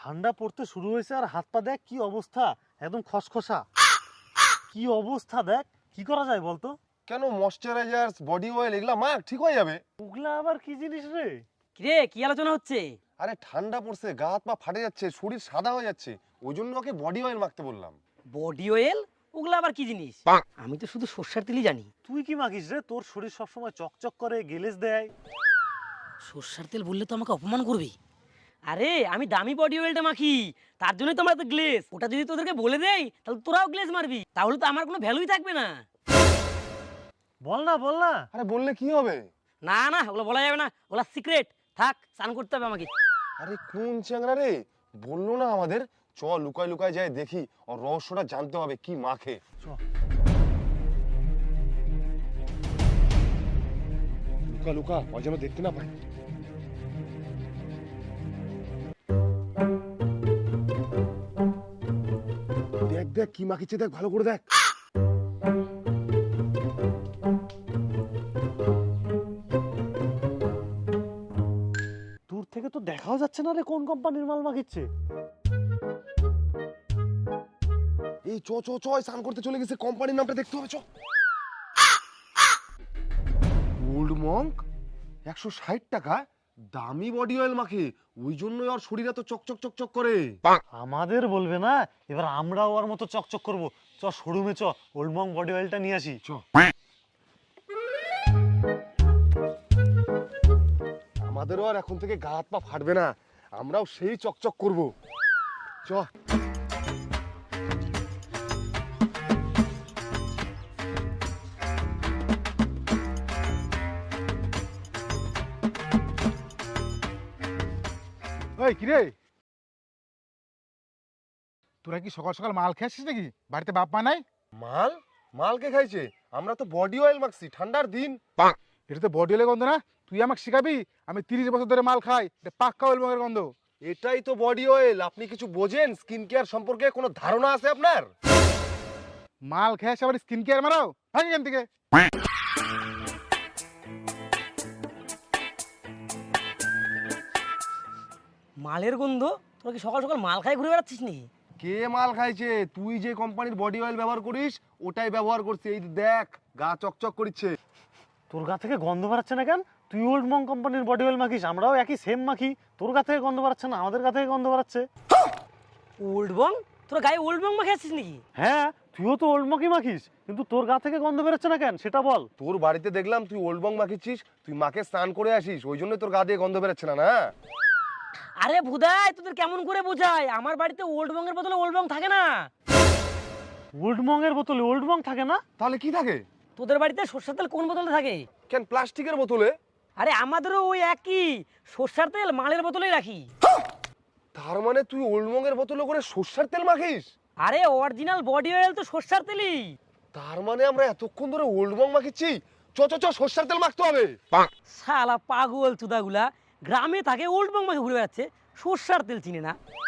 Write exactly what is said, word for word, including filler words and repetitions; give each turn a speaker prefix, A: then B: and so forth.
A: ঠান্ডা পড়তে শুরু হয়েছে আর হাত পা দেখ কি অবস্থা, একদম খসখসা। কি অবস্থা দেখ, কি করা যায় বলতো?
B: কেন ময়শ্চারাইজার বডি অয়েল এগুলা মাখ, ঠিক হয়ে যাবে।
A: ওগুলা আবার কি জিনিস রে?
C: কিরে কি আলোচনা হচ্ছে?
B: আরে ঠান্ডা পড়ছে, গা হাত পা ফাটে যাচ্ছে, শরীর সাদা হয়ে যাচ্ছে, ওই জন্য ওকে বডি অয়েল মাখতে বললাম।
C: Body oil? ওগুলো আবার কি জিনিস? আমি তো শুধু সর্ষের তেলই জানি।
A: তুই কি মাখিস রে? তোর শরীর সবসময় চকচক করে, গেলেজ দেয়।
C: সর্ষের তেল বললে তো আমাকে অপমান করবি। আরে আমি দামি বডি অয়েলটা মাখি, তার জন্যই তো আমার তো গ্লেজ। ওটা যদি তোদেরকে বলে দেই তাহলে তোরাও গ্লেজ মারবি, তাহলে তো আমার কোনো ভ্যালুই থাকবে না।
A: বল না বল না।
B: আরে বললে কি হবে?
C: না না ওগুলো বলা যাবে না, ওগুলো সিক্রেট। থাক, স্নান করতে হবে আমাকে।
B: আরে কোন চ্যাংড়া রে, বললো না আমাদের। চ লুকায় লুকায় যায় দেখি, ওর রহস্যটা জানতে হবে কি মাখে।
A: চ।
B: লুকা লুকা, ও যেন দেখতে না পায়। দেখ দেখ কি মাখিছে, দেখ ভালো করে দেখ।
A: দূর থেকে তো দেখাও যাচ্ছে না রে কোন কোম্পানির মাল মাখিচ্ছে।
B: এই চ চ চ, স্নান করতে চলে গেছে, কোম্পানির নামটা দেখতে হবে। চ। ওল্ড মঙ্ক একশো ষাট টাকা দামি বডি অয়েল মাখে, ওই জন্যই ওর শরীর এত চকচক চকচক করে।
A: আমাদের বলবে না, এবার আমরাও ওর মতো চকচক করব। চ শোরুমে চ, ওল্ডমং বডি অয়েলটা নিয়ে আসি।
B: চ। আমাদেরও আর এখন থেকে গা হাত পা ফাটবে না, আমরাও সেই চকচক করব। চ।
D: ওই কিরে, তোরা কি সকাল সকাল মাল খেয়েছিস নাকি? বাড়িতে বাপ মা নাই?
B: মাল? মাল কে খাইছে? আমরা তো বডি অয়েল মাখছি, ঠান্ডার দিন।
D: এটা তো বডি অয়েলের গন্ধ না। তুই আমাকে শিখাবি? আমি তিরিশ বছর ধরে মাল খাই, এটা পাক্কা অয়েল মগের গন্ধ।
B: এটাই তো বডি অয়েল। আপনি কিছু বোঝেন? স্কিন কেয়ার সম্পর্কে কোনো ধারণা আছে আপনার?
D: মাল খেয়ে আবার স্কিন কেয়ার মারাও? ভাগ এখান থেকে।
C: মালের গন্ধ? তোরা কি সকাল সকাল মাল খাই ঘুরে বেড়াচ্ছিস নাকি?
B: কে মাল খাইছে? তুই যে কোম্পানির বডি অয়েল ব্যবহার করিস ওটাই ব্যবহার করছে। এই দেখ গা চকচক করছে।
A: তোর গা থেকে গন্ধ বেরাচ্ছে না কেন? তুই ওল্ডমং কোম্পানির বডি অয়েল মাখিস, আমরাও একই সেম মাখি। তোর গা থেকে গন্ধ বেরাচ্ছে না, আমাদের গা থেকে গন্ধ বেরাচ্ছে।
C: ওল্ড বং? তোরা গায়ে ওল্ড বং মাখে আছিস নাকি?
A: হ্যাঁ, তুইও তো ওল্ডমংই মাখিস, কিন্তু তোর গা থেকে গন্ধ বেরোচ্ছে না কেন সেটা বল।
B: তোর বাড়িতে দেখলাম তুই ওল্ড বং মাখিছিস, তুই মাকে স্নান করে আসিস, ওই জন্য তোর গা দিয়ে গন্ধ বেরোচ্ছে না। না
C: আরে ভুদাই, তোদের কেমন করে বোঝায়? আমার বাড়িতে ওল্ড বং এর বদলে ওল্ড বং থাকে না।
A: ওল্ডমং এর বোতলে ওল্ডমং থাকে না?
B: তাহলে কি থাকে?
C: তোদের বাড়িতে সর্ষের তেল কোন বোতলে থাকে?
B: কেন প্লাস্টিকের বোতলে?
C: আরে আমাদেরও ওই একই, সর্ষের তেল মালের বোতলেই রাখি।
B: তার মানে তুই ওল্ড বং এর বোতলে করে সর্ষের তেল মাখিস?
C: আরে অরিজিনাল বডি অয়েল তো সর্ষের তেলই।
B: তার মানে আমরা এতক্ষণ ধরে ওল্ড বং মাখিছি। চ চ চ, সর্ষের তেল মাখতে হবে।
C: শালা পাগল চুদাগুলা, গ্রামে থাকে ওল্ড বং মাখে ঘুরে বেড়াচ্ছে, সর্ষের তেল চিনে না।